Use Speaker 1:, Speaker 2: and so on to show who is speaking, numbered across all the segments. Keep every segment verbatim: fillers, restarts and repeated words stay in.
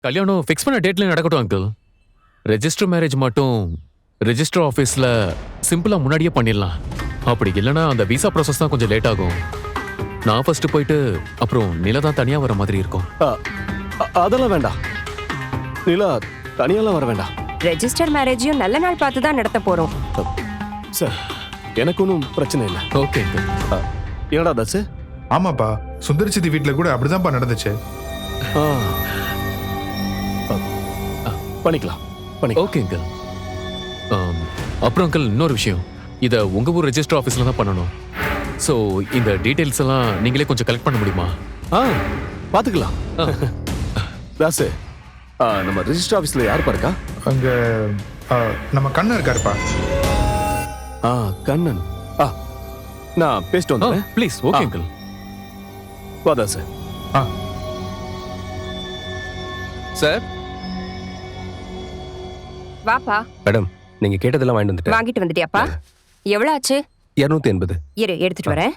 Speaker 1: கல்யாணம் ஃபிக்ஸ் பண்ண டேட்ல நடக்கட்டும் அங்கிள். ரெஜிஸ்டர் மேரேஜ் மட்டும் ரெஜிஸ்டர் ஆஃபீஸில் சிம்பிளாக முன்னாடியே பண்ணிடலாம். அப்படி இல்லைன்னா அந்த விசா ப்ராசஸ் தான் கொஞ்சம் லேட் ஆகும். நான் ஃபர்ஸ்ட் போயிட்டு அப்புறம் நிலா தான் தனியாக வர மாதிரி இருக்கும்.
Speaker 2: அதெல்லாம் வேண்டாம், நிலா தனியாலாம் வர வேண்டாம்.
Speaker 3: ரெஜிஸ்டர் மேரேஜையும் நல்ல நாள் பார்த்து தான் நடத்த போறோம்.
Speaker 2: சார் எனக்கு ஒன்றும் பிரச்சனை இல்லை.
Speaker 1: Okay uncle.
Speaker 2: என்னடா தாஸ்?
Speaker 4: ஆமாப்பா, சுந்தரி சித்தி வீட்டில் கூட அப்படிதான்ப்பா நடந்துச்சு.
Speaker 2: பண்ணிக்கலாம் பண்ணிக்கலாம்.
Speaker 1: Okay uncle. அப்புறம் அங்கிள் இன்னொரு விஷயம், இதை உங்கள் ஊர் ரெஜிஸ்டர் ஆஃபீஸில் தான் பண்ணணும். ஸோ இந்த டீட்டெயில்ஸ் எல்லாம் நீங்களே கொஞ்சம் கலெக்ட் பண்ண முடியுமா?
Speaker 2: ஆ பார்த்துக்கலாம். தாஸ், நம்ம ரெஜிஸ்டர் ஆஃபீஸில் யாருப்பா இருக்கா?
Speaker 4: அங்கே நம்ம கண்ணன் இருக்காருப்பா.
Speaker 2: ஆ கண்ணன். ஆ நான் பேசிட்டு வந்தேன்.
Speaker 1: ப்ளீஸ். Okay uncle.
Speaker 2: வா தாஸ்.
Speaker 4: ஆ
Speaker 5: சார்.
Speaker 3: வாப்பா.
Speaker 5: மேடம், நீங்க கேட்டதெல்லாம் வாங்கிட்டு வந்துட்டேன்.
Speaker 3: வாங்கிட்டு வந்துட்டியாப்பா? எவ்வளவு ஆச்சு?
Speaker 5: இருநூத்தி எண்பது.
Speaker 3: இரு, எடுத்துட்டு வரேன்.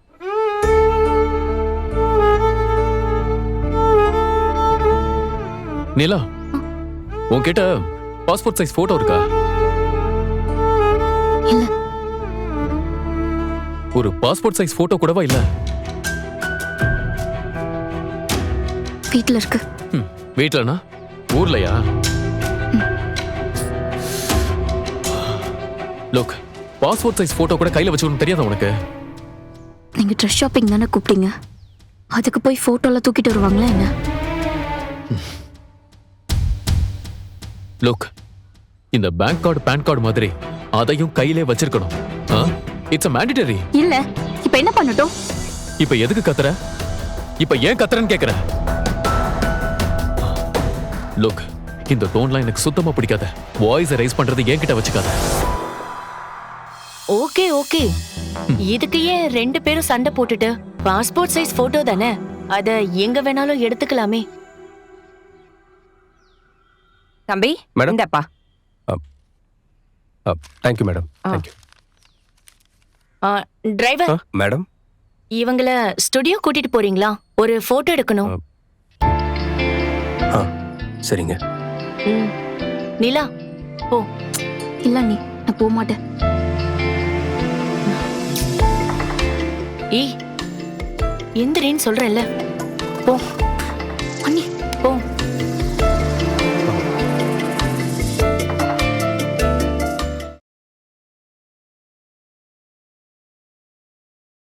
Speaker 1: நிலா, உன்கிட்ட பாஸ்போர்ட் சைஸ் போட்டோ இருக்கா?
Speaker 6: இல்ல.
Speaker 1: ஒரு பாஸ்போர்ட் சைஸ் போட்டோ கூடவா இல்ல?
Speaker 6: வீட்ல இருக்கு.
Speaker 1: வீட்லனா? ஊர்லயா? லுக், பாஸ்போர்ட் சைஸ் போட்டோ கூட கையில வச்சுக்கணும் தெரியாதா உனக்கு?
Speaker 6: நீங்க ட்ரெஸ் ஷாப்பிங் தானே கூப்பிட்டீங்க, அதுக்கு போய் போட்டோல தூக்கிட்டு வருவாங்களா என்ன?
Speaker 1: லுக், இந்த பேங்க் கார்டு பேன் கார்டு மாதிரி அதையும் கையிலே வச்சிருக்கணும். It's a mandatory.
Speaker 6: இல்ல, இப்ப என்ன பண்ணட்டும்?
Speaker 1: இப்ப எதுக்கு கத்துற? இப்ப ஏன் கத்துறன்னு கேக்குற? லுக், இந்த டோன்லாம் எனக்கு சுத்தமா பிடிக்காத. வாய்ஸ் ரைஸ் பண்றது என்கிட்ட வச்சுக்காத.
Speaker 7: ஓகே ஓகே, இதுக்கு ஏன் ரெண்டு பேரும் சண்டை போட்டுட்டு? பாஸ்போர்ட் சைஸ் போட்டோ தானே, அத எங்க வேணாலும் எடுத்துக்கலாமே.
Speaker 3: தம்பி,
Speaker 5: மேடம்.
Speaker 3: இந்தப்பா.
Speaker 5: Thank you madam. Thank you.
Speaker 7: Driver,
Speaker 5: madam,
Speaker 7: இவங்கள ஸ்டுடியோ கூட்டிட்டு போறீங்களா? ஒரு போட்டோ எடுக்கணும்.
Speaker 5: ஆ சரிங்க.
Speaker 7: ம். நிலா போ.
Speaker 6: இல்ல நீ, நான் போக மாட்டேன்.
Speaker 7: ஏய், எந்திரின்னு சொல்றேன்ல, போ.
Speaker 6: அண்ணி,
Speaker 7: போ.